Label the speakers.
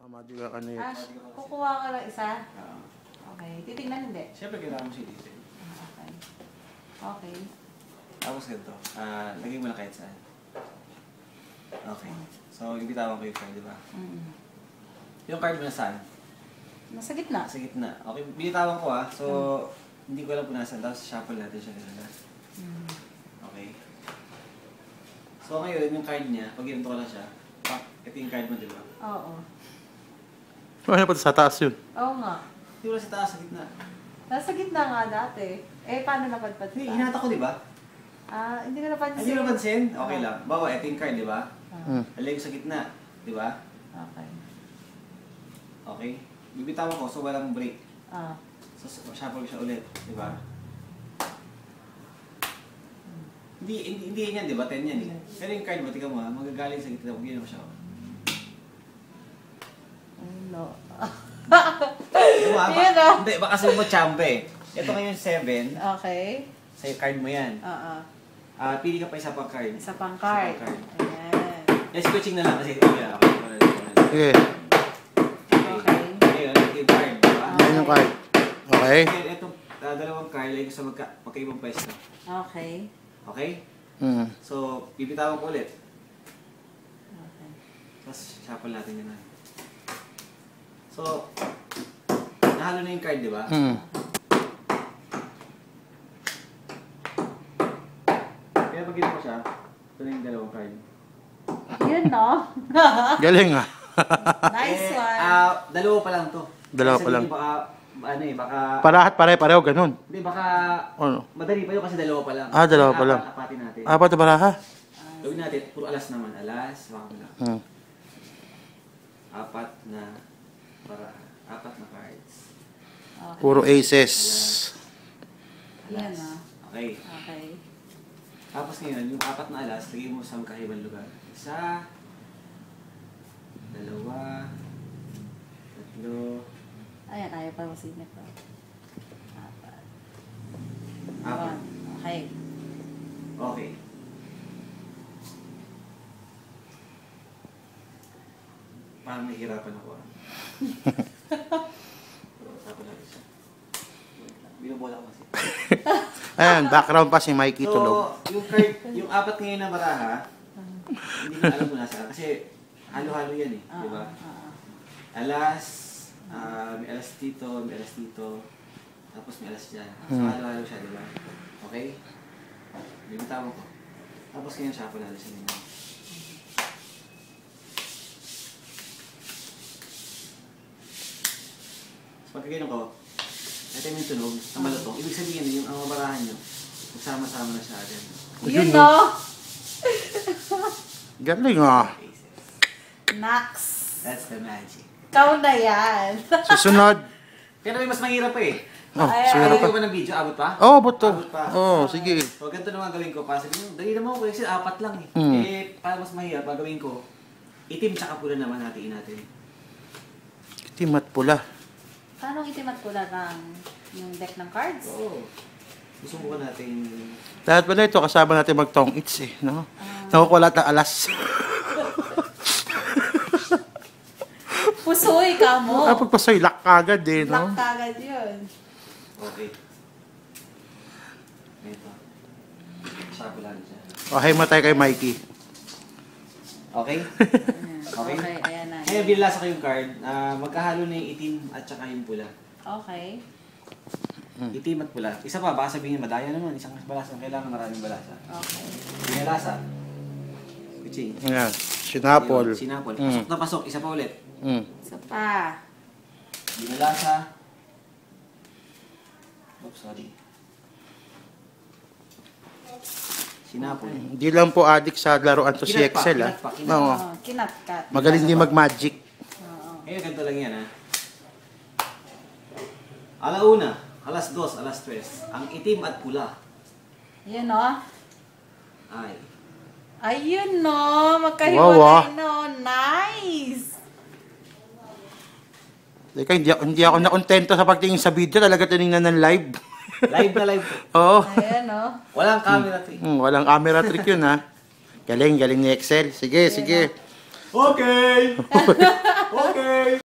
Speaker 1: Madiga ka na yun.
Speaker 2: Kukuha ka lang isa? Okay. Titignan hindi?
Speaker 3: Siyempre, kailangan mo siya dito.
Speaker 2: Okay. Okay.
Speaker 3: Tapos ganito. Lagay mo na kahit saan. Okay. So, ibitawan ko yung card, di ba? Yung card mo na saan?
Speaker 2: Nasa gitna.
Speaker 3: Sa gitna. Okay, binitawan ko So, hindi ko alam kung nasan. Tapos, shuffle natin siya gano'n. Okay. So, ngayon, yung card niya, pag ginto ko lang siya, ito yung card mo, di ba?
Speaker 2: Oo.
Speaker 1: Ano pa sa taas yun?
Speaker 2: Oo nga.
Speaker 3: Hindi wala sa taas, sa gitna.
Speaker 2: Nasa gitna nga dati. Paano napadpad
Speaker 3: Hindi,
Speaker 2: ka?
Speaker 3: hinata ko, di ba?
Speaker 2: Hindi ko napansin.
Speaker 3: Hindi mo napansin? Okay lang. Bawa, ito yung card, di ba? Alay ko sa gitna, di ba?
Speaker 2: Okay.
Speaker 3: Okay? Bibitawan ko, so walang break.
Speaker 2: Ah.
Speaker 3: So, shuffle ko siya ulit, di ba? Hindi yan, di ba? 10 yan. Pero yung card mo, tika mo magagaling sa gitna. Huwag yun ako siya.
Speaker 2: No.
Speaker 3: Hindi, baka sabi mo champe. Ito ngayon 7.
Speaker 2: Okay.
Speaker 3: Sa card mo yan.
Speaker 2: Oo.
Speaker 3: Pili ka pa isa pang card.
Speaker 2: Isa pang card. Ayan.
Speaker 3: Switching na lang kasi ito yan.
Speaker 1: Sige.
Speaker 2: Okay.
Speaker 3: Ngayon, ito yung card.
Speaker 1: Yan yung card. Okay.
Speaker 3: Itong dalawang card, lagay ko sa magkaibang pwesto.
Speaker 2: Okay.
Speaker 3: Okay? So, bibitawan ko ulit.
Speaker 2: Okay.
Speaker 3: Tapos, shuffle natin yun. So, nahalo na yung card, di ba? Kaya pag ginawa ko siya, ito na yung dalawang card.
Speaker 2: Yun, no?
Speaker 1: Galing ah.
Speaker 2: Nice one.
Speaker 3: Dalawa pa lang to.
Speaker 1: Dalawa
Speaker 3: Kasi
Speaker 1: pa lang.
Speaker 3: Baka...
Speaker 1: Parahat pareho ganun.
Speaker 3: Hindi, baka...
Speaker 1: Ano?
Speaker 3: Madali pa yun kasi dalawa pa lang.
Speaker 1: Dalawa pa lang.
Speaker 3: Apatin natin.
Speaker 1: Apat na baraha?
Speaker 3: Gawin natin, puro alas naman. Alas, baka mo lang. Apat na cards.
Speaker 2: Okay.
Speaker 1: Puro aces.
Speaker 2: Yan, no?
Speaker 3: Okay.
Speaker 2: Okay.
Speaker 3: Tapos ngayon, yung apat na alas, lagay mo sa magkaibang lugar. Isa, dalawa, tatlo,
Speaker 2: Ayan, ayaw pa masinip pa.
Speaker 3: apat.
Speaker 2: Okay.
Speaker 3: Okay. Parang nahihirapan ako. Binubola ko kasi.
Speaker 1: Ayan, background pa si Mikey tulog.
Speaker 3: So, yung apat ngayon na baraha, hindi na alam mo nasa. Kasi halo-halo yan di ba? Alas, may alas dito, may alas dito, tapos may alas dyan. So, halo-halo siya, di ba? Okay? Bimitawan ko. Tapos ngayon shuffle natin siya nila. So, pagkagayon ko, ito yung tunog, ang malutong. Ibig sabihin, yung ang mabarahan nyo, magsama-sama na siya agad.
Speaker 2: Yun, no?
Speaker 1: Galing ah.
Speaker 2: Nax.
Speaker 3: That's the magic.
Speaker 2: Ikaw na yan.
Speaker 1: Susunod.
Speaker 3: Pero may mas mahirap pa eh.
Speaker 1: Siguro pa.
Speaker 3: Abot ba ng video? Abot pa?
Speaker 1: Abot to.
Speaker 3: Abot pa.
Speaker 1: Sige.
Speaker 3: So, ganito naman gawin ko. Sabi nyo, dali naman ko kasi apat lang eh. Para mas mahirap, gagawin ko, itim tsaka pula naman hatiin natin.
Speaker 1: Itim at pula.
Speaker 2: Paano itim at pula ng yung deck ng cards?
Speaker 3: Oo. Susubukan natin.
Speaker 1: Lahat pala ito, kasama natin mag-tong its eh. No? Nakukulat ng alas.
Speaker 2: Pusoy ka mo.
Speaker 1: Pagpasoy, lock agad eh. No?
Speaker 2: Lock agad yun.
Speaker 3: Okay. Ito. Shuffle natin siya.
Speaker 1: Okay, matay kay Mikey.
Speaker 3: Okay?
Speaker 2: Okay, ayan na.
Speaker 3: Ngayon, binalasa ko yung card. Magkahalo na yung itim at saka yung pula.
Speaker 2: Okay.
Speaker 3: Itim at pula. Isa pa, baka sabihin madaya naman. Isang balasa. Kailangan maraming balasa.
Speaker 2: Okay.
Speaker 3: Binalasa. Kuching.
Speaker 1: Ayan, sinapol.
Speaker 3: Sinapol. Pasok na pasok. Isa pa ulit.
Speaker 2: Isa pa.
Speaker 3: Binalasa. Oops, sorry. Sinapol.
Speaker 1: Hindi lang po addict sa laruan to si
Speaker 3: Kinat pa,
Speaker 1: Excel
Speaker 3: kinat pa, kinat.
Speaker 1: Oo.
Speaker 2: Kinatkat.
Speaker 1: Magaling din mag-magic.
Speaker 3: Ngayon, ganito lang yan Alauna, alas 2, alas 3. Ang itim at pula
Speaker 2: Yun, no?
Speaker 3: ay
Speaker 2: Ayun, no? Magkahiwalay, no? Nice!
Speaker 1: Teka, hindi ako nakontento sa pagtingin sa video. Talaga tinignan ng live.
Speaker 3: live na live.
Speaker 1: Oo.
Speaker 2: Ayan, no?
Speaker 3: Walang camera trick.
Speaker 1: Walang camera trick yun ha. Galing ni Excel. Sige.
Speaker 3: Okay! Okay!